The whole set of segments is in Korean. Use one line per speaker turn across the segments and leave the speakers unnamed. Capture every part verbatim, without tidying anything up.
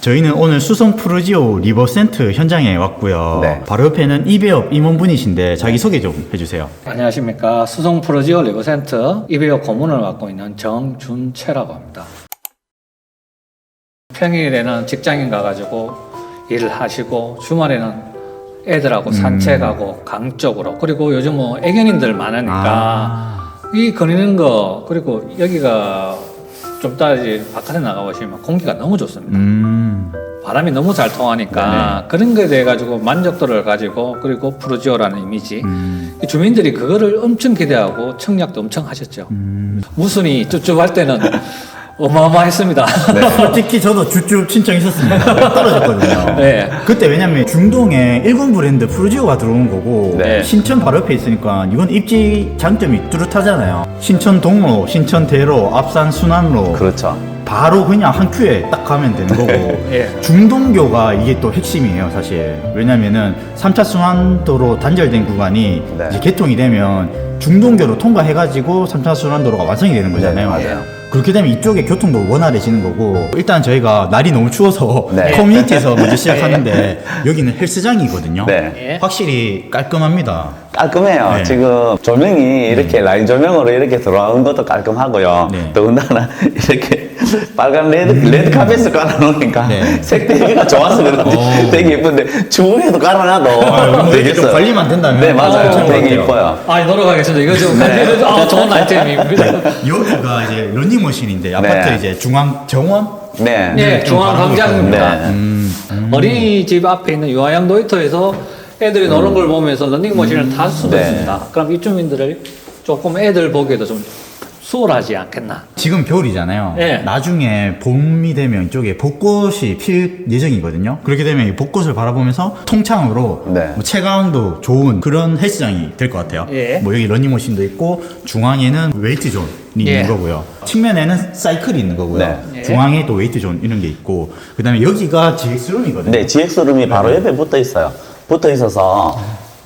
저희는 오늘 수성 프루지오 리버센트 현장에 왔고요.
네.
바로 옆에는 이배업 임원분이신데 자기 소개 좀 해주세요.
안녕하십니까. 수성 프로지오 리버센트 이배업 고문을 맡고 있는 정준채라고 합니다. 평일에는 직장인 가가지고 일을 하시고 주말에는 애들하고
음.
산책하고 강 쪽으로, 그리고 요즘 뭐 애견인들 많으니까
아.
이 거리는 거, 그리고 여기가 좀 이따 이제 바깥에 나가보시면 공기가 너무 좋습니다.
음.
바람이 너무 잘 통하니까 그런 거에 대해 가지고 만족도를 가지고, 그리고 프루지오라는 이미지,
음.
주민들이 그거를 엄청 기대하고 청약도 엄청 하셨죠.
음.
무순이 쭈쭈할 때는 어마어마했습니다.
솔직히 저도 쭈쭈 신청했었습니다. 떨어졌거든요.
네.
그때 왜냐면 중동에 일군 브랜드 프루지오가 들어온 거고
네.
신천 바로 옆에 있으니까 이건 입지 장점이 뚜렷하잖아요. 신천 동로, 신천 대로, 앞산 순환로
그렇죠.
바로 그냥 한 큐에 딱 가면 되는 거고
예.
중동교가 이게 또 핵심이에요 사실. 왜냐면은 삼 차 순환도로 단절된 구간이
네.
이제 개통이 되면 중동교로 통과해가지고 삼 차 순환도로가 완성이 되는 거잖아요.
네, 맞아요.
그렇게 되면 이쪽에 교통도 원활해지는 거고, 일단 저희가 날이 너무 추워서
네.
커뮤니티에서 먼저 시작하는데 여기는 헬스장이거든요.
네.
예.
확실히 깔끔합니다.
깔끔해요.
네.
지금 조명이 이렇게 라인 조명으로 이렇게 들어오는 것도 깔끔하고요.
네.
더군다나 이렇게 빨간 레드, 레드 카펫을 깔아놓으니까
네.
색대기가 좋아서 그런지
오.
되게 예쁜데 주문해도 깔아놔도
뭐 이렇게 좀
되겠어요.
관리만 된다면
네, 맞아요.
괜찮은 것
되게
같아요.
이뻐요.
아, 노력하겠습니다. 이거 좀
네.
아, 좋은 아이템입니다.
여기가 이제 러닝머신인데 아파트
네.
이제 중앙 정원?
네.
네,
좀
중앙광장입니다.
네.
음.
어린이집 앞에 있는 유아양 놀이터에서 애들이 노는 걸 보면서 런닝머신을 탈 수도
네.
있습니다. 그럼 입주민들을 조금 애들 보기에도 좀 수월하지 않겠나.
지금 겨울이잖아요.
네.
나중에 봄이 되면 이쪽에 벚꽃이 필 예정이거든요. 그렇게 되면 이 벚꽃을 바라보면서 통창으로
네.
뭐 체감도 좋은 그런 헬스장이 될 것 같아요.
예.
뭐 여기 러닝머신도 있고 중앙에는 웨이트 존이
예.
있는 거고요. 측면에는 사이클이 있는 거고요.
네.
예.
중앙에 또 웨이트 존 이런 게 있고, 그다음에 여기가 지엑스룸이거든요.
네, 지엑스룸이 바로 옆에 붙어 있어요. 붙어 있어서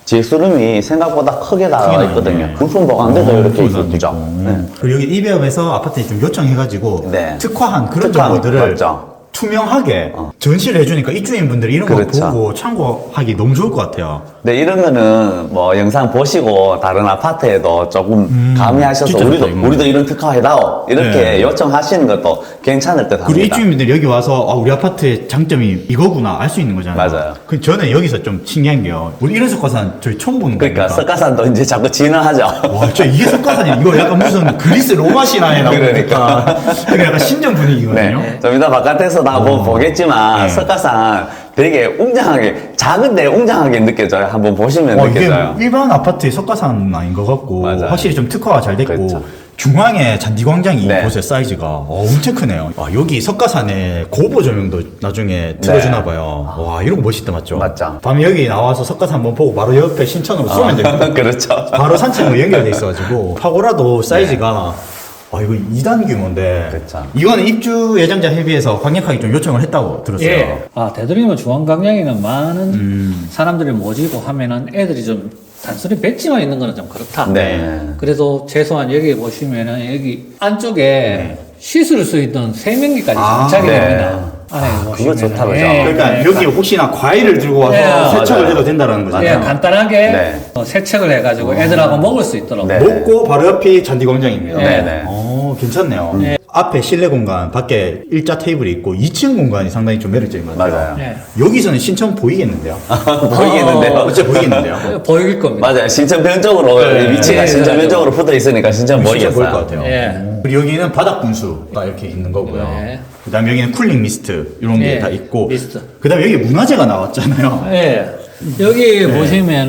지엑스룸이 생각보다 크게 나와
크게
있거든요.
나오네.
부품 보관대도
어,
이렇게
부품도
있죠.
있고.
네.
그리고 여기 이배업에서 아파트에 좀 요청해가지고
네.
특화한 그런
특화한,
정보들을
맞죠.
투명하게
어.
전시를 해주니까 입주인분들이 이런
그렇죠.
거 보고 참고하기 너무 좋을 것 같아요.
네, 이런 거는 뭐 영상 보시고 다른 아파트에도 조금
음,
가미하셔서
진짜
우리도,
좋다, 이거.
우리도 이런 특화 해다오. 이렇게
네.
요청하시는 것도 괜찮을 듯
그리고
합니다.
입주인분들이 여기 와서 아, 우리 아파트의 장점이 이거구나 알 수 있는 거잖아요.
맞아요.
그 저는 여기서 좀 신기한 게요. 우리 이런 석가산 저희 처음 보는
그러니까
거니까.
석가산도 이제 자꾸 진화하죠.
와, 저 이게 석가산이 이거 약간 무슨 그리스 로마 신화에 나오니까
그러니까.
그게 약간 신전 분위기거든요.
네. 좀 이따 바깥에서 다 뭐
어.
보겠지만
네.
석가산 되게 웅장하게, 작은데 웅장하게 느껴져요. 한번 보시면
어, 이게
느껴져요.
일반 아파트의 석가산 아닌 것 같고
맞아요.
확실히 좀 특화가 잘 됐고
그렇죠.
중앙에 잔디광장이
네.
보세요. 사이즈가 어, 엄청 크네요. 아, 여기 석가산에 고보 조명도 나중에 틀어주나 봐요. 와, 이런 거 멋있다, 맞죠?
네. 맞죠.
밤에 여기 나와서 석가산 한번 보고 바로 옆에 신천으로 쏘면 되거든요.
그렇죠.
바로 산책로 연결돼 있어가지고 파고라도 사이즈가 아, 이거 이 단 규모인데
그렇죠.
이거는 입주 예정자 협의회에서 강력하게 좀 요청을 했다고 들었어요.
예. 아, 되도록이면 중앙광장에는 많은
음.
사람들이 모이고 하면은 애들이 좀 단순히 벤치만 있는 거는 좀 그렇다.
네.
그래서 최소한 여기 보시면은 여기 안쪽에
네.
씻을 수 있는 세면기까지
아,
장착이
네.
됩니다. 안에
그거
보시면은.
좋다, 그죠?
그러니까
네.
여기 혹시나 과일을 들고 와서
네,
세척을
맞아요.
해도 된다는
예,
거잖아요.
간단하게
네.
어, 세척을 해가지고 애들하고 먹을 수 있도록.
네.
먹고 바로 옆이 잔디광장입니다.
네,
네.
어, 괜찮네요.
네.
앞에 실내 공간, 밖에 일자 테이블이 있고 이 층 공간이 상당히 좀 매력적인 것 같아요.
맞아요.
네.
여기서는 신천 보이겠는데요?
보이겠는데요?
어째 보이겠는데요?
보일 겁니다.
맞아요. 신천변 쪽으로
네.
위치가
네.
신천변 쪽으로 붙어 있으니까 신천
진짜
보이겠어요.
보일 것 같아요.
예.
그리고 여기는 바닥 분수가 이렇게 있는 거고요.
네.
그다음에 여기는 쿨링 미스트 이런 게
네,
다 있고.
미스트.
그다음에 여기 문화재가 나왔잖아요.
예. 여기
네.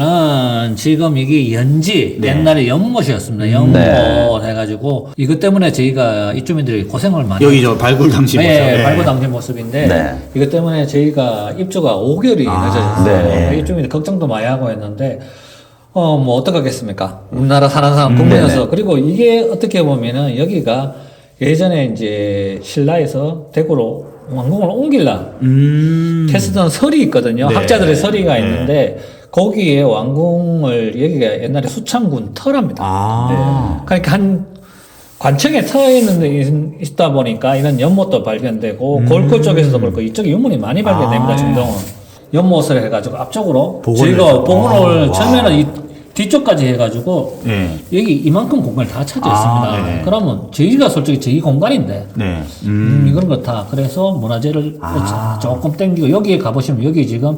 보시면은 지금 이게 연지,
네.
옛날에 연못이었습니다. 연못
네.
해가지고 이것 때문에 저희가 입주민들이 고생을 많이
여기 저 발굴 당시 모습.
예,
네.
발굴 당시 모습인데
네.
이것 때문에 저희가 입주가 오 개월이
아,
늦어졌어요.
네.
입주민들 걱정도 많이 하고 했는데 어 뭐 어떡하겠습니까? 우리나라 사는 사람 국내여서
네네.
그리고 이게 어떻게 보면은 여기가 예전에 이제 신라에서 대구로 왕궁을 옮길라
음.
테스트던 설이 있거든요.
네.
학자들의 설이가
네.
있는데 거기에 왕궁을 여기가 옛날에 수창군 터랍니다.
아.
네. 그러니까 한 관청에 터 있는 데 있- 있다 보니까 이런 연못도 발견되고
음.
골고 쪽에서도 그렇고 이쪽에 유물이 많이 발견됩니다.
아.
중동은 연못을 해가지고 앞쪽으로
복원을
저희가
해서.
복원을
아,
처음에는 이 뒤쪽까지 해가지고
네.
여기 이만큼 공간이 다 차져
아,
있습니다.
네네.
그러면 저희가 솔직히 저희 공간인데
네.
음,
음.
이건 그렇다. 그래서 문화재를
아.
조금 땡기고 여기에 가보시면 여기 지금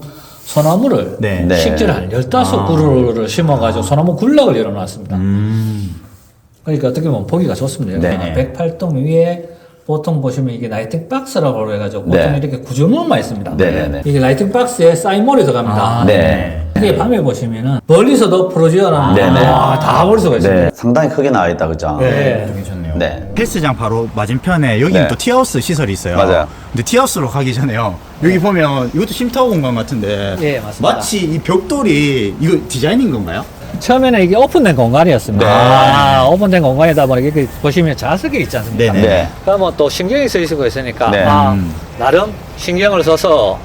소나무를
네.
네.
식재를 한 열다섯 그루를 심어가지고 소나무 군락을 열어놨습니다.
음.
그러니까 어떻게 보면 보기가 좋습니다.
네.
백팔 동 위에 보통 보시면 이게 라이팅 박스라고 해가지고 보통
네.
이렇게 구조물만 있습니다.
네네네.
이게 라이팅 박스에 사인몰이 들어갑니다.
아,
네.
이게 밤에 보시면은 멀리서도 프로지어나
네네.
아, 다 볼 수가 있습니다.
네, 상당히 크게 나와 있다, 그죠?
네.
네.
좀 괜찮네요.
네.
헬스장 바로 맞은편에 여기는
네.
또 티하우스 시설이 있어요.
맞아요.
근데 티하우스로 가기 전에요. 여기 보면 이것도 쉼타워 공간 같은데
예, 맞습니다.
마치 이 벽돌이 이거 디자인인 건가요?
처음에는 이게 오픈된 공간이었습니다.
네.
아, 오픈된 공간이다 보니까 이렇게 보시면 자석이 있지 않습니까?
네네.
네.
그러면 또 신경이 쓰이고 있으니까
네.
아,
음.
나름 신경을 써서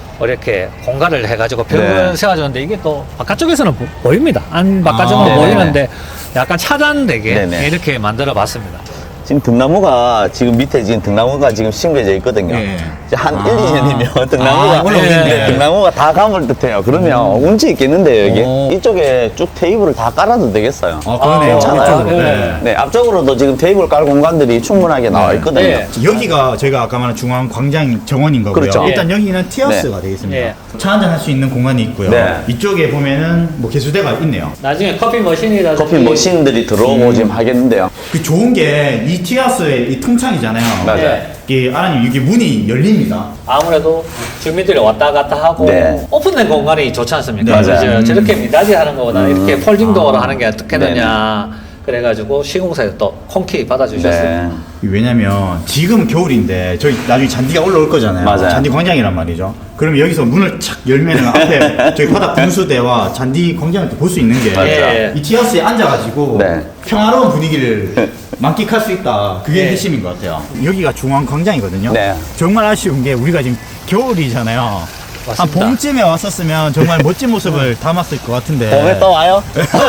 이렇게 공간을 해가지고 벽을
네.
세워줬는데 이게 또 바깥쪽에서는 보, 보입니다. 안 바깥쪽은
아,
보이는데 약간 차단되게
네네.
이렇게 만들어 봤습니다.
지금 등나무가 지금 밑에 지금 등나무가 지금 심겨져 있거든요.
네.
이제 한
아.
일, 이 년이면
아,
등나무가
올라오겠네.
네, 등나무가 다 감을 듯해요. 그러면 운치 있겠는데요, 여기?
오.
이쪽에 쭉 테이블을 다 깔아도 되겠어요.
아, 그러네요.
괜찮아요.
이쪽으로.
네.
네.
네, 앞쪽으로도 지금 테이블 깔 공간들이 충분하게 나와
네.
있거든요.
네.
여기가 저희가 아까 말한 중앙 광장 정원인 거고요.
그렇죠.
일단 여기는 티하우스가 되겠습니다.
예.
차 한잔 할 수 있는 공간이 있고요.
네.
이쪽에 보면은 뭐 개수대가 있네요.
나중에 커피 머신이라든지
커피 머신들이 들어오고
음.
지금 하겠는데요.
그 좋은 게 이 티하우스의 이 통창이잖아요.
맞아요.
네.
이게 아라님 이게 문이 열립니다.
아무래도 주민들이 왔다 갔다 하고
네.
오픈된 공간이 좋지 않습니까?
네,
맞아요.
그죠?
음.
저렇게 미닫이 하는 것보다
음.
이렇게 폴딩 도어로
아.
하는 게 어떻겠느냐 그래가지고 시공사에서 또 honky 받아주셨어요.
네.
왜냐면 지금 겨울인데 저희 나중에 잔디가 올라올 거잖아요.
맞아요.
잔디 광장이란 말이죠. 그러면 여기서 문을 착 열면은 앞에 저희 바닥 분수대와 잔디 광장을 볼 수 있는 게 이
맞죠.
예.
티하우스에 앉아가지고
네.
평화로운 분위기를 만끽할 수 있다. 그게
네.
핵심인 것 같아요. 여기가 중앙 광장이거든요.
네.
정말 아쉬운 게 우리가 지금 겨울이잖아요. 한
맞습니다.
봄쯤에 왔었으면 정말 멋진 모습을 담았을 것 같은데.
봄에 또 와요?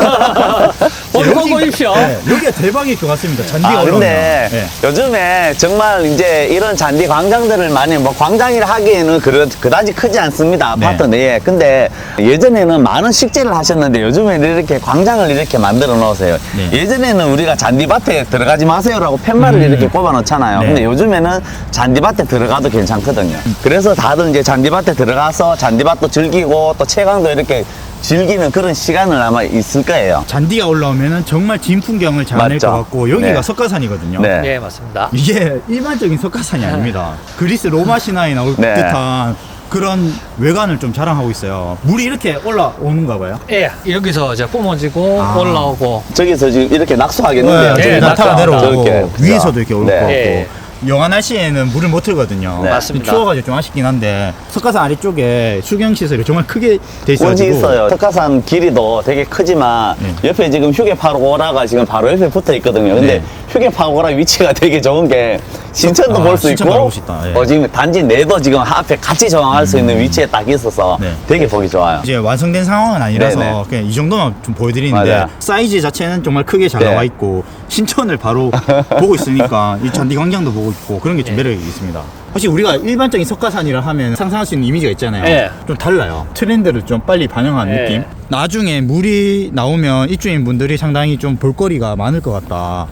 봄
여기-
보십시오.
네, 여기가 대박일 것 같습니다. 잔디가
아,
올라오면.
근데
네.
요즘에 정말 이제 이런 잔디 광장들을 많이 뭐 광장이라 하기에는 그, 그다지 크지 않습니다. 아파트
네.
내에. 근데 예전에는 많은 식재를 하셨는데 요즘에는 이렇게 광장을 이렇게 만들어 놓으세요.
네.
예전에는 우리가 잔디밭에 들어가지 마세요라고 팻말을
음.
이렇게 꼽아 놓잖아요.
네.
근데 요즘에는 잔디밭에 들어가도 괜찮거든요. 그래서 다들 이제 잔디밭에 들어가서 잔디밭도 즐기고 또 채광도 이렇게 즐기는 그런 시간을 아마 있을 거예요.
잔디가 올라오면 정말 진 풍경을 자아낼
맞죠.
것 같고 여기가
네.
석가산이거든요.
네.
예, 맞습니다.
이게 일반적인 석가산이 아닙니다. 그리스 로마 신화에 나올
네.
듯한 그런 외관을 좀 자랑하고 있어요. 물이 이렇게 올라오는가 봐요.
예, 여기서 이제 뿜어지고
아.
올라오고
저기서 지금 이렇게 낙수하겠는데요.
네,
저기 나타가
낙타.
내려오고
저렇게, 그죠?
위에서도 이렇게 올 것
네.
같고
예.
영하 날씨에는 물을 못 틀거든요.
네.
맞습니다.
추워가지고 좀 아쉽긴 한데 석가산 아래쪽에 수경 시설이 정말 크게 돼
꼴지
있어가지고
있어요. 석가산 길이도 되게 크지만
네.
옆에 지금 휴게파고라가 지금 바로 옆에 붙어 있거든요. 근데
네.
휴게파고라 위치가 되게 좋은 게 신천도
아,
볼 수
신천
있고
가보고 싶다. 예.
어, 지금 단지 내도 지금 앞에 같이 정할 수 있는 위치에 딱 있어서
네.
되게 보기 좋아요.
이제 완성된 상황은 아니라서
네네.
그냥 이 정도만 좀 보여드리는데
맞아요.
사이즈 자체는 정말 크게 잘
네.
나와 있고 신천을 바로 보고 있으니까 이 잔디 광장도 보고 있고 그런 게 좀 매력이 있습니다. 확실히 우리가 일반적인 석가산이라 하면 상상할 수 있는 이미지가 있잖아요.
네.
좀 달라요. 트렌드를 좀 빨리 반영한
네.
느낌. 나중에 물이 나오면 입주민 분들이 상당히 좀 볼거리가 많을 것 같다.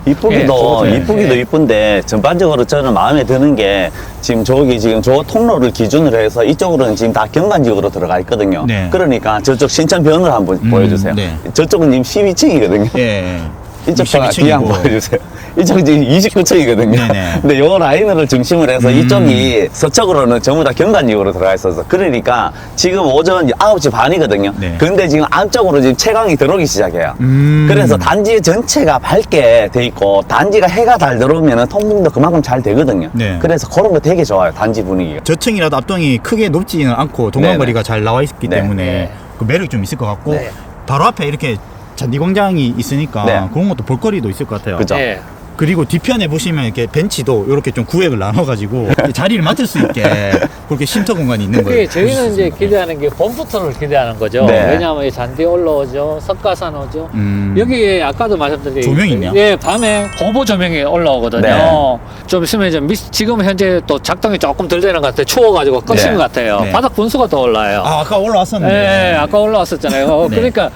이쁘기도
예,
이쁘기도
예.
이쁜데 전반적으로 저는 마음에 드는 게 지금 저기 지금 저 통로를 기준으로 해서 이쪽으로는 지금 다 경관지역으로 들어가 있거든요.
네.
그러니까 저쪽 신천변을 한번
음,
보여주세요.
네.
저쪽은 지금 십이 층이거든요.
예.
이쪽 봐,
이십이
뒤에 한번
층이고.
보여주세요. 이쪽 지금 이십구 층이거든요.
네네.
근데 요 라인을 중심으로 해서
음.
이쪽이 서쪽으로는 전부 다 경관지역으로 들어가 있어서 그러니까 지금 오전 아홉 시 반이거든요.
네.
근데 지금 안쪽으로 지금 채광이 들어오기 시작해요.
음.
그래서 단지 전체가 밝게 돼 있고 단지가 해가 잘 들어오면 통풍도 그만큼 잘 되거든요.
네.
그래서 그런 거 되게 좋아요. 단지 분위기가.
저층이라도 앞동이 크게 높지는 않고 동광거리가 잘 나와 있기
네.
때문에
네.
그 매력이 좀 있을 것 같고
네.
바로 앞에 이렇게 잔디 광장이 있으니까
네.
그런 것도 볼거리도 있을 것 같아요.
그죠?
예.
그리고 뒤편에 보시면 이렇게 벤치도 이렇게 좀 구획을 나눠가지고 자리를 맡을 수 있게 그렇게 쉼터 공간이 있는 거예요.
그게 저희는 이제 기대하는 게 봄부터를 기대하는 거죠.
네.
왜냐하면 이 잔디 올라오죠, 석가산 오죠.
음.
여기에 아까도 말씀드린
조명이 있네요?
예, 밤에 고보 조명이 올라오거든요.
네.
좀 있으면 이제 미, 지금 현재 또 작동이 조금 덜 되는 것 같아요. 추워가지고 꺼진
네.
것 같아요.
네.
바닥 분수가 더 올라요.
아, 아까 올라왔었는데.
예, 아까 올라왔었잖아요. 어,
네.
그러니까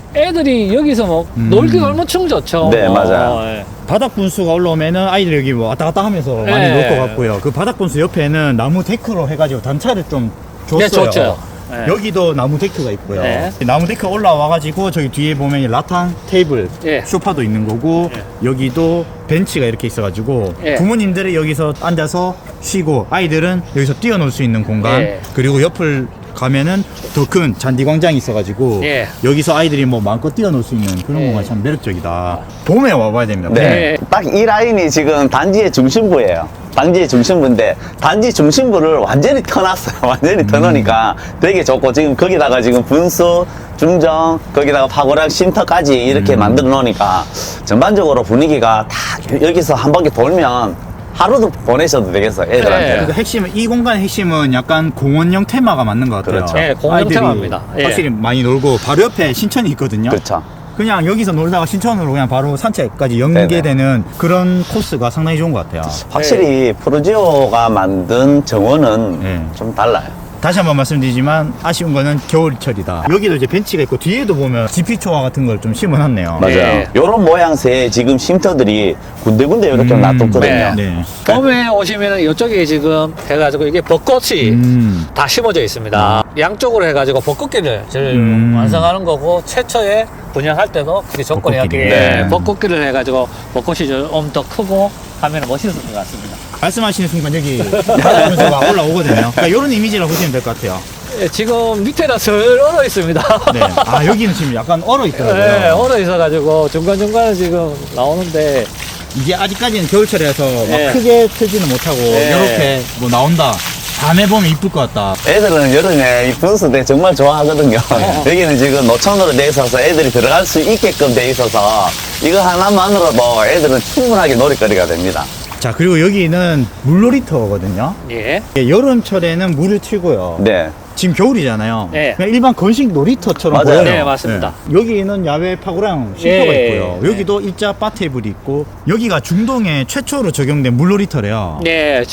애들이 여기서 뭐
음.
놀기가 얼마나 충 좋죠.
네,
뭐.
맞아요.
예.
바닥 분수가 올라오면은 아이들 여기 뭐 왔다 갔다 하면서 많이
네.
놀 것 같고요. 그 바닥 분수 옆에는 나무 데크로 해가지고 단차를 좀 줬어요.
네, 좋죠. 네.
여기도 나무 데크가 있고요.
네.
나무 데크 올라와가지고 저기 뒤에 보면 이 라탄 테이블,
예.
소파도 있는 거고 여기도 벤치가 이렇게 있어가지고
예.
부모님들이 여기서 앉아서 쉬고 아이들은 여기서 뛰어놀 수 있는 공간
예.
그리고 옆을 가면은 더 큰 잔디 광장이 있어가지고
예.
여기서 아이들이 뭐 마음껏 뛰어놀 수 있는 그런
예.
공간이 참 매력적이다. 봄에 와봐야 됩니다.
네.
네.
딱 이 라인이 지금 단지의 중심부예요. 단지의 중심부인데 단지 중심부를 완전히 터놨어요. 완전히 터놓으니까 되게 좋고 지금 거기다가 지금 분수, 중정, 거기다가 파고랑 쉼터까지 이렇게
음.
만들어 놓으니까 전반적으로 분위기가 다 여기서 한 바퀴 돌면 하루도 보내셔도 되겠어요. 애들한테.
그 핵심은 이 공간의 핵심은 약간 공원형 테마가 맞는 것 같아요.
그렇죠.
네, 공원형
아이들이
테마입니다. 예.
확실히 많이 놀고 바로 옆에 신천이 있거든요.
그렇죠.
그냥 여기서 놀다가 신천으로 그냥 바로 산책까지 연계되는 그런 코스가 상당히 좋은 것 같아요.
확실히 프로지오가 만든 정원은
네.
좀 달라요.
다시 한번 말씀드리지만 아쉬운 거는 겨울철이다. 여기도 이제 벤치가 있고 뒤에도 보면 지피초와 같은 걸 좀 심어놨네요.
맞아요.
네.
요런 모양새의 지금 쉼터들이 군데군데 이렇게
음,
놔뒀거든요.
네.
네.
봄에 오시면은 이쪽에 지금 해가지고 이게 벚꽃이
음.
다 심어져 있습니다. 양쪽으로 해가지고 벚꽃길을 저희
음.
완성하는 거고 최초에 분양할 때도 그게 조건이었기에
벚꽃길이요.
네.
벚꽃길을 해가지고 벚꽃이 좀 더 크고 하면 멋있을 것 같습니다.
말씀하시는 순간 여기 바닥 분수가 올라오거든요. 그러니까 이런 이미지라고 보시면 될 것 같아요.
예, 지금 밑에가 덜 얼어 있습니다.
네. 아 여기는 지금 약간 얼어 있더라고요.
네, 얼어 있어가지고 중간중간에 지금 나오는데
이게 아직까지는 겨울철이라서 막
네.
크게 틀지는 못하고
네.
이렇게 뭐 나온다. 밤에 보면 이쁠 것 같다.
애들은 여름에 이 분수대 정말 좋아하거든요.
어.
여기는 지금 노천으로 돼 있어서 애들이 들어갈 수 있게끔 돼 있어서 이거 하나만으로도 애들은 충분하게 놀이거리가 됩니다.
자 그리고 여기는 물놀이터거든요.
예,
예, 여름철에는 물을 튀고요.
네.
지금 겨울이잖아요.
네.
그냥 일반 건식 놀이터처럼
맞아요.
보여요.
네, 맞습니다.
네. 여기는 야외 파고랑 쉼터가
예.
있고요. 여기도 일자 바 테이블이 있고 여기가 중동에 최초로 적용된 물놀이터래요.
네,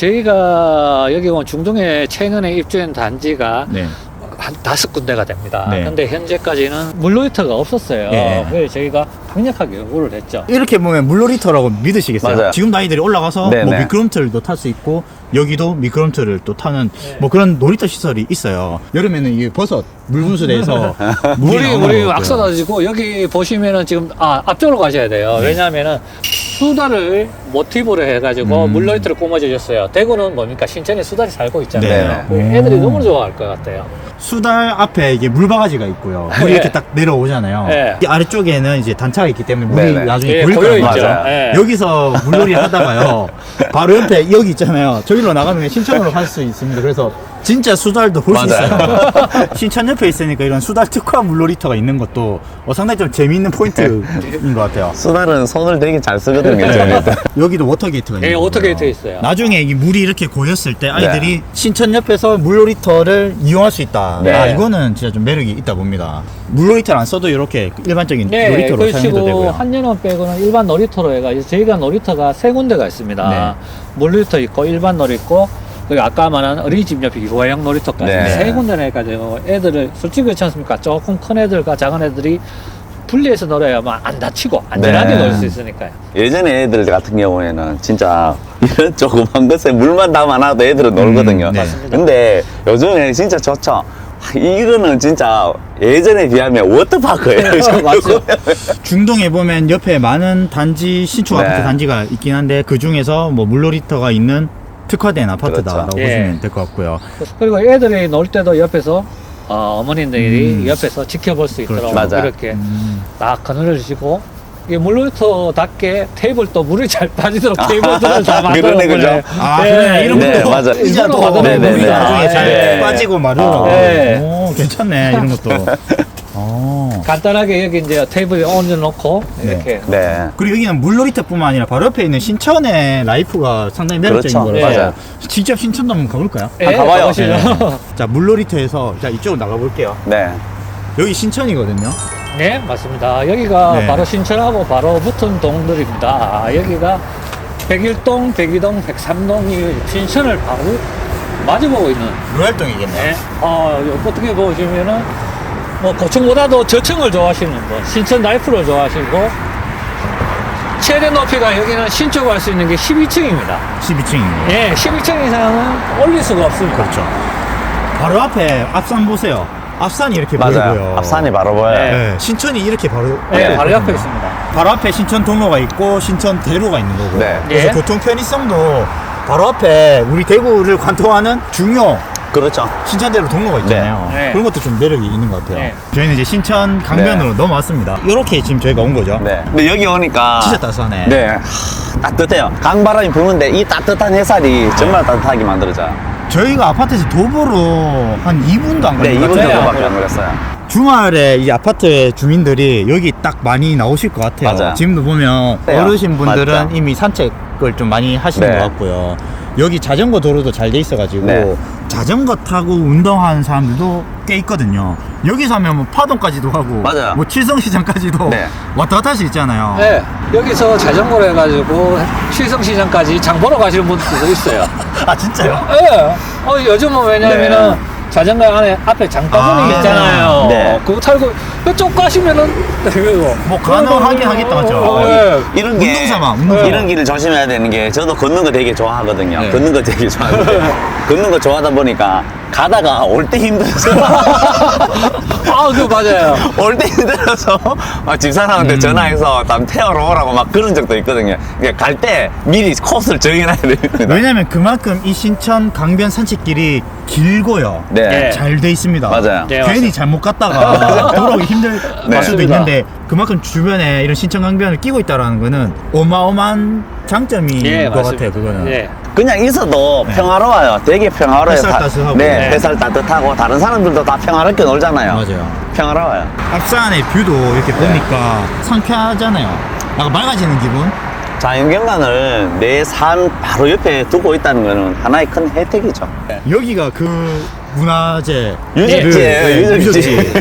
저희가 여기 온 중동에 최근에 입주한 단지가
네.
한 다섯 군데가 됩니다.
네.
근데 현재까지는 물놀이터가 없었어요.
예.
그래서 저희가 강력하게 요구를 했죠.
이렇게 보면 물놀이터라고 믿으시겠어요?
맞아요.
지금 아이들이 올라가서
네네.
뭐 미끄럼틀도 탈 수 있고 여기도 미끄럼틀을 또 타는
네.
뭐 그런 놀이터 시설이 있어요. 여름에는 이게 버섯 물분수대에서 물이
물이
나오는
물이
것
막
같고요.
쏟아지고 여기 보시면은 지금 아 앞쪽으로 가셔야 돼요.
네.
왜냐하면은 수다를 모티브로 해가지고
음.
물놀이터를 꾸며주셨어요. 대구는 뭡니까 신천에 수달이 살고 있잖아요.
네.
애들이
오.
너무 좋아할 것 같아요.
수달 앞에 이게 물바가지가 있고요. 물이
네.
이렇게 딱 내려오잖아요.
네.
이 아래쪽에는 이제 단차가 있기 때문에 물이
네네.
나중에
예,
보일
보여
거란
있죠.
말이죠.
예.
여기서 물놀이 하다가요. 바로 옆에 여기 있잖아요. 저기로 나가면 신천으로 갈 수 있습니다. 그래서 진짜 수달도 볼 수
맞아요.
있어요. 신천 옆에 있으니까 이런 수달 특화 물놀이터가 있는 것도 어, 상당히 좀 재미있는 포인트인 것 같아요.
수달은 손을 되게 잘 쓰거든요. 저희들.
여기도 워터게이트가 있는
예,
거고요.
워터게이트 있어요.
나중에 이 물이 이렇게 고였을 때 아이들이
네.
신천 옆에서 물놀이터를 이용할 수 있다.
네.
아, 이거는 진짜 좀 매력이 있다 봅니다. 물놀이터를 안 써도 이렇게 일반적인
네,
놀이터로 사용해도
그리고
되고요.
한여름 빼고는 일반 놀이터로 해가지고 저희가 놀이터가 세 군데가 있습니다.
네.
물놀이터 있고 일반 놀이 있고 그리고 아까 말한 어린이집 옆에 유아용 놀이터까지
네.
세 군데나 해가지고 애들을 솔직히 그렇지 않습니까? 조금 큰 애들과 작은 애들이 분리해서 놀아야만 안 다치고 안전하게
네.
놀 수 있으니까요.
예전에 애들 같은 경우에는 진짜 이런 조그만 것에 물만 담아놔도 애들은 놀거든요.
네.
맞습니다.
근데 요즘에 진짜 좋죠. 이거는 진짜 예전에 비하면 워터파크예요.
맞죠.
중동에 보면 옆에 많은 단지 신축
네.
아파트 단지가 있긴 한데 그 중에서 뭐 물놀이터가 있는 특화된 아파트다라고
그렇죠.
보시면
예.
될 것 같고요.
그리고 애들이 놀 때도 옆에서 어, 어머님들이
음.
옆에서 지켜볼 수 있도록
그렇죠. 맞아요.
이렇게
음.
딱 그늘을 주시고 이게 물놀이터답게 테이블도 물이 잘 빠지도록 테이블들을 다 만들어
그러네, 그죠?
보내요.
아, 그러네. 이런
네,
것도
맞아.
의자도
일부러
물이
만들어
네, 네,
나중에
네.
잘
네.
빠지고 마르라고.
네.
오, 괜찮네. 이런 것도. 어.
간단하게 여기 이제 테이블에 얹어놓고
네.
이렇게
네.
그리고 여기는 물놀이터뿐만 아니라 바로 옆에 있는 신천의 라이프가 상당히 매력적인
그렇죠.
거라서
맞아요.
직접 신천도 한번 가볼까요?
예,
아, 가봐요.
가보시죠.
네. 자, 물놀이터에서 자 이쪽으로 나가볼게요.
네.
여기 신천이거든요.
네, 맞습니다. 여기가
네.
바로 신천하고 바로 붙은 동들입니다. 여기가 백일 동, 백이 동, 백삼 동이 신천을 바로 마주보고 있는.
로얄동이겠네요.
네. 어, 어떻게 보시면은 뭐 고층보다도 저층을 좋아하시는 분, 신천 라이프를 좋아하시고 최대 높이가 여기는 신축 할 수 있는 게 십이 층입니다.
십이 층입니다.
예, 십이 층 이상은 올릴 수가 없습니다.
그렇죠. 바로 앞에 앞산 보세요. 앞산이 이렇게
맞아요.
보이고요.
앞산이 바로 보여요.
네.
네, 신천이 이렇게 바로
네,
앞에
바로 옆에
있거든요.
있습니다.
바로 앞에 신천 동로가 있고 신천 대로가 있는 거고.
네.
그래서
예.
교통 편의성도 바로 앞에 우리 대구를 관통하는 중요
그렇죠.
신천대로 동로가 있잖아요.
네. 네.
그런 것도 좀 매력이 있는 것 같아요.
네.
저희는 이제 신천 강변으로 넘어왔습니다. 이렇게 지금 저희가 온 거죠.
네. 근데 여기 오니까.
진짜 따스하네.
네. 하, 따뜻해요. 강바람이 부는데 이 따뜻한 햇살이 정말 따뜻하게 만들어져요.
저희가 아파트에서 도보로 한 이 분도 안
네,
걸린 것
이 분
같아요.
정도밖에 안 걸렸어요.
주말에 이 아파트 주민들이 여기 딱 많이 나오실 것 같아요.
맞아요.
지금도 보면
네,
어르신 분들은
맞죠.
이미 산책을 좀 많이 하시는
네.
것 같고요. 여기 자전거 도로도 잘 돼 있어가지고
네.
자전거 타고 운동하는 사람들도 꽤 있거든요. 여기서 하면 뭐 파동까지도 하고
맞아요.
뭐 칠성시장까지도
네.
왔다 갔다 할 수 있잖아요.
네, 여기서 자전거로 해가지고 칠성시장까지 장 보러 가시는 분들도 있어요.
아 진짜요?
예. 어, 요즘은 왜냐면은
네.
자전거 안에 앞에 장바구니
아,
있잖아요.
네.
그거 탈고 이쪽 가시면은 이거
뭐 가능하긴 하겠다, 맞죠?
어, 예.
이런 게
운동삼아, 운동삼아.
이런 길을 조심해야 되는 게 저도 걷는 거 되게 좋아하거든요.
네.
걷는 거 되게 좋아하는데 걷는 거 좋아하다 보니까 가다가 올 때 힘들어서
아, 그 맞아요.
올 때 힘들어서 막 집사람한테
음.
전화해서 남 태워러 오라고 막 그런 적도 있거든요. 그러니까 갈 때 미리 코스를 정해놔야 됩니다.
왜냐면 그만큼 이 신천 강변 산책길이 길고요.
네.
네.
잘 돼 있습니다.
맞아요.
네,
괜히
맞습니다.
잘못 갔다가 돌아오기 힘들
네.
수도
맞습니다.
있는데 그만큼 주변에 이런 신천 강변을 끼고 있다라는 거는 어마어마한 장점인
예,
것
맞습니다.
같아요. 그거는.
예.
그냥 있어도
네.
평화로워요. 되게 평화로워요.
햇살
다-
따스하고.
네,
네.
햇살 따뜻하고 다른 사람들도 다 평화롭게 놀잖아요.
맞아요.
평화로워요.
앞산의 뷰도 이렇게 보니까 상쾌하잖아요. 약간 맑아지는 기분.
자연경관을 내 삶 바로 옆에 두고 있다는 거는 하나의 큰 혜택이죠.
여기가 그 문화재
유적지예요,
네,
유적지.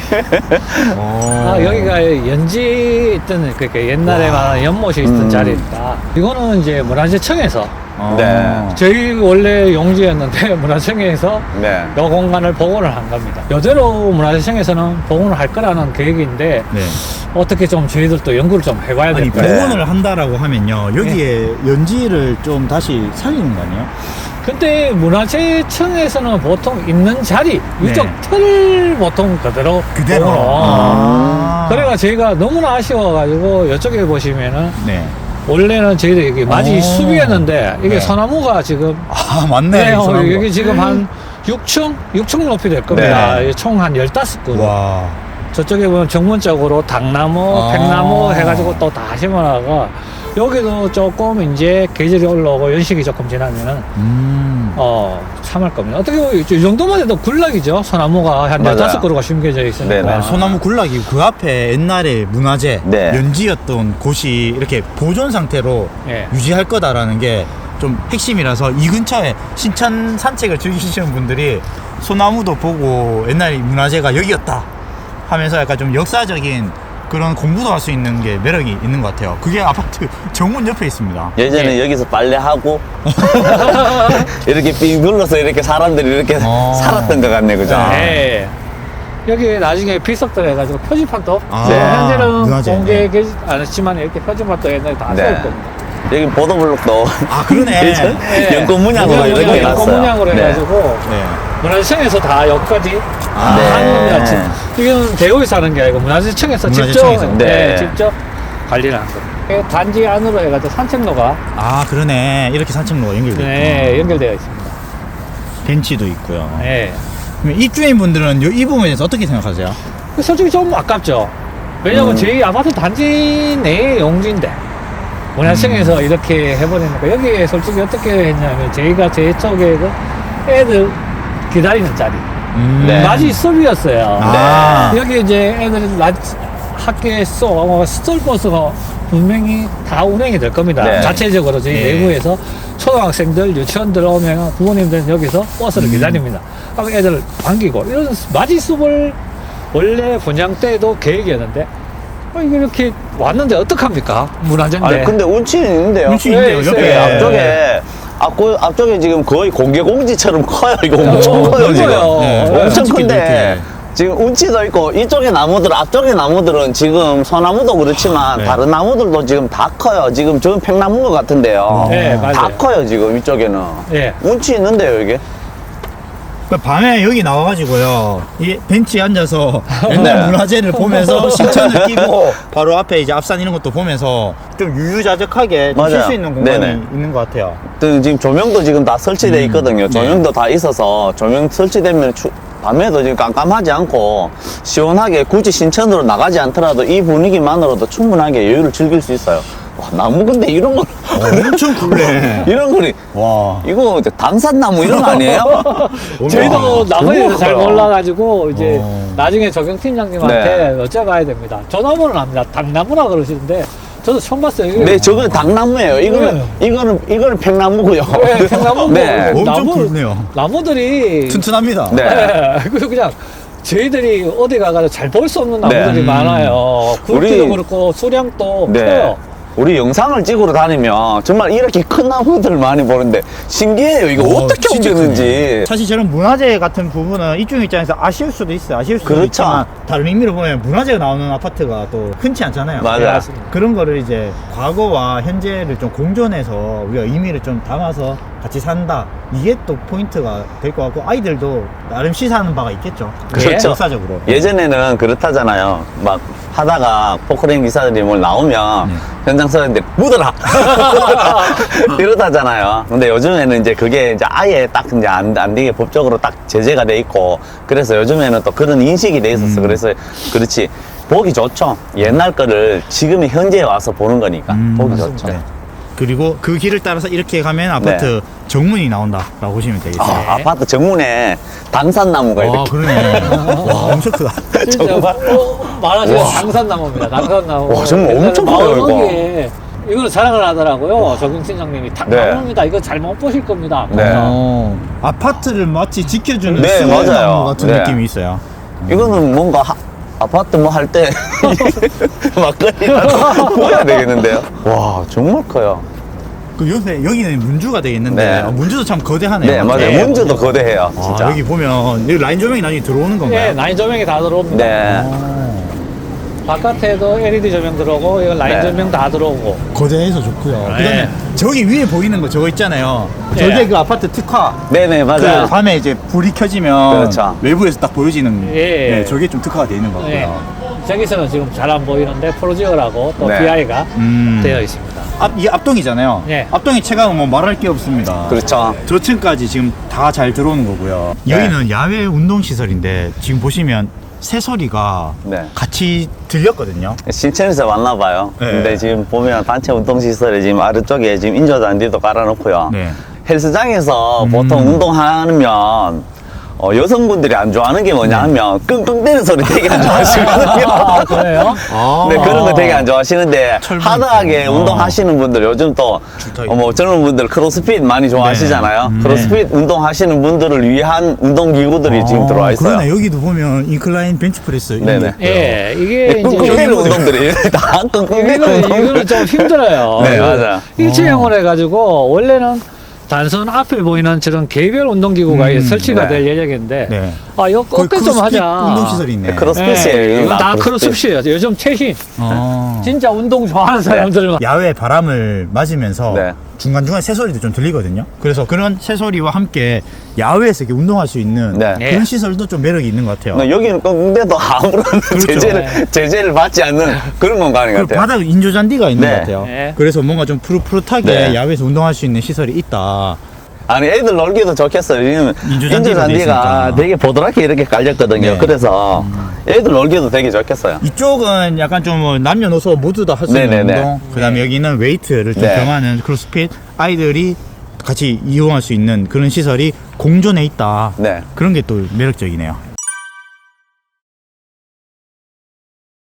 어.
아, 여기가 연지 있던 그러니까 옛날에
와.
말하는 연못이 있던
음.
자리입니다. 이거는 이제 문화재청에서
어.
네.
저희 원래 용지였는데 문화청에서
네.
이 공간을 복원을 한 겁니다. 여대로 문화재청에서는 복원을 할 거라는 계획인데
네.
어떻게 좀 저희들도 연구를 좀 해봐야
아니
될 거예요.
복원을 한다라고 하면요 여기에 연지를 좀 다시 살리는 거 아니에요?
근데 문화재청에서는 보통 있는 자리,
네.
이쪽 틀 보통 그대로
그대로.
복원을.
아.
그래가 저희가 너무나 아쉬워가지고 이쪽에 보시면은
네.
원래는 저희도 여기 맞이
오.
숲이었는데 이게
네.
소나무가 지금
아 맞네.
네, 어,
소나무가.
여기 지금 한 육 층? 육 층 높이 될 겁니다.
네.
총 한 열다섯 그루.
와.
저쪽에 보면 정문적으로 당나무,
아.
백나무 해가지고 또 다 심어놔가 여기도 조금 이제 계절이 올라오고 연식이 조금 지나면은
음.
어 참을 겁니다. 어떻게 보면 이 정도만 해도 굴락이죠. 소나무가 한
맞아요.
열다섯 그루가 심겨져 있으니까.
네, 네.
아, 소나무 군락이 그 앞에 옛날에 문화재
네.
연지였던 곳이 이렇게 보존 상태로
예.
유지할 거다라는 게 좀 핵심이라서 이 근처에 신천 산책을 즐기시는 분들이 소나무도 보고 옛날 문화재가 여기였다 하면서 약간 좀 역사적인 그런 공부도 할 수 있는 게 매력이 있는 것 같아요. 그게 아파트 정문 옆에 있습니다.
예전에
네.
여기서 빨래하고 이렇게 삥 눌러서 이렇게 사람들이 이렇게
어.
살았던 것 같네, 그죠?
네. 여기 나중에 필석들 해가지고 표지판도
아,
네, 현재는
문화재.
공개되지 않았지만 이렇게 표지판도 옛날에 다
네.
세울 겁니다.
여기 보도블록도
아 그러네.
예전
네.
연꽃 문양으로 이렇게
연꽃
해놨어요.
문양으로
네.
해가지고
네.
문화재청에서 다 여기까지
아,
네.
하는 거지. 이건 대구에서 하는 게 아니고 문화재청에서 직접
문화재청에서.
네,
네.
직접 관리를 한 겁니다. 단지 안으로 해가지고 산책로가
아 그러네. 이렇게 산책로가 연결돼
네,
있구나.
연결되어 있습니다.
벤치도 있고요.
네.
그럼 입주인 분들은 이 부분에 대해서 어떻게 생각하세요?
솔직히 좀 아깝죠. 왜냐면
음.
저희 아파트 단지 내의 용지인데 문화청에서
음.
이렇게 해버리니까 여기에 솔직히 어떻게 했냐면 저희가 제 쪽에 그 애들 기다리는 자리
음.
네.
낮이 수업이었어요.
아.
여기 이제 애들이 낮 학교에서 어, 스톨버스가 분명히 다 운행이 될 겁니다.
네.
자체적으로 저희
네.
내부에서 초등학생들, 유치원들 오면 부모님들은 여기서 버스를
음.
기다립니다. 그럼 애들 반기고 이런 맞이 수업을 원래 분양 때도 계획이었는데 어, 이게 이렇게 왔는데 어떡합니까? 문화재인데.
아니 근데 운치는 있는데요.
운치
네,
있네요.
있어요.
옆에
네, 앞쪽에 앞고 앞쪽에 지금 거의 공개 공지처럼 커요. 이거 엄청
어,
커요 지금.
커요.
네,
엄청
솔직히
큰데
이렇게.
지금 운치도 있고 이쪽에 나무들 앞쪽에 나무들은 지금 소나무도 그렇지만
네.
다른 나무들도 지금 다 커요. 지금 저건 팽나무인 것 같은데요.
네, 맞아요.
다 커요 지금 이쪽에는.
예.
운치 있는데요 이게.
그 밤에 여기 나와가지고요, 이 벤치에 앉아서 옛날
네.
문화재를 보면서 신천을 끼고 바로 앞에 이제 앞산 이런 것도 보면서 좀 유유자적하게 쉴
맞아요.
수 있는 공간이
네네.
있는 것 같아요.
또 지금 조명도 지금 다 설치되어
음,
있거든요.
네.
조명도 다 있어서 조명 설치되면 추- 밤에도 지금 깜깜하지 않고 시원하게 굳이 신천으로 나가지 않더라도 이 분위기만으로도 충분하게 여유를 즐길 수 있어요. 와, 나무 근데 이런 거
엄청 굴래.
이런 거리
와.
이거 당산나무 이런 거 아니에요?
저희도 나무에 대해서 잘
커요.
몰라가지고 이제
어.
나중에 적용팀장님한테 여쭤봐야 됩니다. 저 나무는 압니다. 당나무라 그러시는데 저도 처음 봤어요. 이게
네, 저건 당나무예요. 이거는 이거는 이거는 팽나무고요.
네, 팽나무고.
네.
엄청
나무-
굵네요.
나무들이
튼튼합니다.
네.
네. 그래서 그냥 저희들이 어디 가가지고 잘 볼 수 없는 나무들이
네.
많아요. 굵기도
우리-
그렇고 수량도
네.
커요.
우리 영상을 찍으러 다니면 정말 이렇게 큰 나무들을 많이 보는데 신기해요. 이거
어,
어떻게
진짜
옮겼는지.
크네. 사실 저런 문화재 같은 부분은 이쪽 입장에서 아쉬울 수도 있어요. 아쉬울 수도
그렇죠.
있지만 다른 의미로 보면 문화재가 나오는 아파트가 또 흔치 않잖아요.
맞아요.
네, 맞습니다.
그런 거를 이제 과거와 현재를 좀 공존해서 우리가 의미를 좀 담아서 같이 산다. 이게 또 포인트가 될 것 같고 아이들도 나름 시사하는 바가 있겠죠.
그렇죠.
역사적으로.
예전에는 그렇다잖아요. 막 하다가 포크레인 기사들이 뭘 나오면
네.
현장 사람들이 묻어라! 이러다잖아요. 근데 요즘에는 이제 그게 이제 아예 딱 이제 안, 안 되게 법적으로 딱 제재가 돼 있고 그래서 요즘에는 또 그런 인식이 돼 있었어.
음.
그래서 그렇지. 보기 좋죠. 옛날 거를 지금의 현재에 와서 보는 거니까.
음,
보기
맞습니다.
좋죠.
네. 그리고 그 길을 따라서 이렇게 가면 아파트 정문이 나온다라고 보시면 되겠어요.
네. 아, 아파트 정문에 당산나무가
아,
이렇게.
그러네. 와, 엄청 크다.
진짜
정말?
어, 말하자면
와.
당산나무입니다. 당산나무.
와, 정말 엄청
옛날에
커요, 이거.
마을거기에 이거를 자랑을 하더라고요. 적용팀장님이 당나무입니다. 이거 잘못 보실 겁니다.
네.
어, 아파트를 마치 지켜주는
네,
수호의
맞아요.
나무 같은
네.
느낌이 있어요.
이거는 뭔가 하- 아파트 뭐 할 때 막걸리라도 보여야 되겠는데요. 와 정말 커요.
그 옆에 여기는 문주가 되겠는데
네.
아, 문주도 참 거대하네요.
네 맞아요.
네,
문제도 거대해요.
아,
진짜.
여기 보면 여기 라인 조명이 나중에 들어오는 건가요?
네, 라인 조명이 다 들어옵니다.
네.
어,
바깥에도 엘이디 조명 들어오고, 이거 라인
네.
조명 다 들어오고.
거대해서 좋고요.
네.
그다음에 저기 위에 보이는 거 저거 있잖아요.
네.
저게 그 아파트 특화.
네네 맞아요.
그 밤에 이제 불이 켜지면
그렇죠.
외부에서 딱 보여지는
예.
네, 저게 좀 특화가 되어 있는 것 같고요.
네. 저기서는 지금 잘 안 보이는데 프로지어라고 또
네.
비아이가
음.
되어 있습니다.
앞, 이게 앞동이잖아요.
네.
앞동이 체감은 뭐 말할 게 없습니다.
그렇죠.
저층까지 지금 다 잘 들어오는 거고요.
네.
여기는 야외 운동 시설인데 지금 보시면 새소리가
네.
같이 들렸거든요.
신천에서 왔나 봐요.
네.
근데 지금 보면 단체 운동시설에 지금 아래쪽에 지금 인조잔디도 깔아놓고요.
네.
헬스장에서
음.
보통 운동하면 어, 여성분들이 안 좋아하는 게 뭐냐 하면 끙끙대는 소리 되게 안 좋아하시거든요.
아, 그래요?
아.
네, 그런 거 되게 안 좋아하시는데
철분.
하드하게
어.
운동하시는 분들 요즘 또
좋다,
어, 뭐 젊은 분들 크로스핏 많이 좋아하시잖아요.
네. 음.
크로스핏 운동하시는 분들을 위한 운동기구들이 지금 들어와 있어요.
그러네. 여기도 보면 인클라인 bench프레스 이런
네네.
게 있고요.
예, 이게 이제
끙끙대는
여기는-
운동들이 다 끙끙대는
이거는,
운동.
이거는 좀 힘들어요.
네, 맞아요.
일체형으로 해가지고, 원래는 단순 앞에 보이는 저런 개별 운동기구가
음,
설치가
네.
될 예정인데,
네.
아, 이거
거의
꺾게 좀
크로스핏
하자.
운동시설이 있네.
네, 크로스핏이에요.
예,
이건
이건 다
크로스핏.
크로스핏이에요. 요즘 최신.
어.
진짜 운동 좋아하는 사람들은.
야외 바람을 맞으면서
네.
중간중간 새소리도 좀 들리거든요. 그래서 그런 새소리와 함께 야외에서 이렇게 운동할 수 있는
네.
그런
네.
시설도 좀 매력이 있는 것 같아요.
근데 여기는 끙끙대도 아무런 제재를,
네.
제재를 받지 않는 그런 공간인 것
그리고
같아요.
바닥 인조잔디가 있는
네.
것 같아요.
네.
그래서 뭔가 좀 푸릇푸릇하게
네.
야외에서 운동할 수 있는 시설이 있다.
아니 애들 놀기도 좋겠어요. 왜냐면
인조잔디가
인조잔디가
돼 있으니까.
되게 보드랗게 이렇게 깔렸거든요.
네.
그래서 애들 놀기도 되게 좋겠어요.
이쪽은 약간 좀뭐 남녀노소 모두 다 할 수 있는
네네네.
운동. 그다음에 여기는 웨이트를 좀
네.
겸하는 크로스핏. 아이들이 같이 이용할 수 있는 그런 시설이 공존해 있다.
네.
그런 게 또 매력적이네요.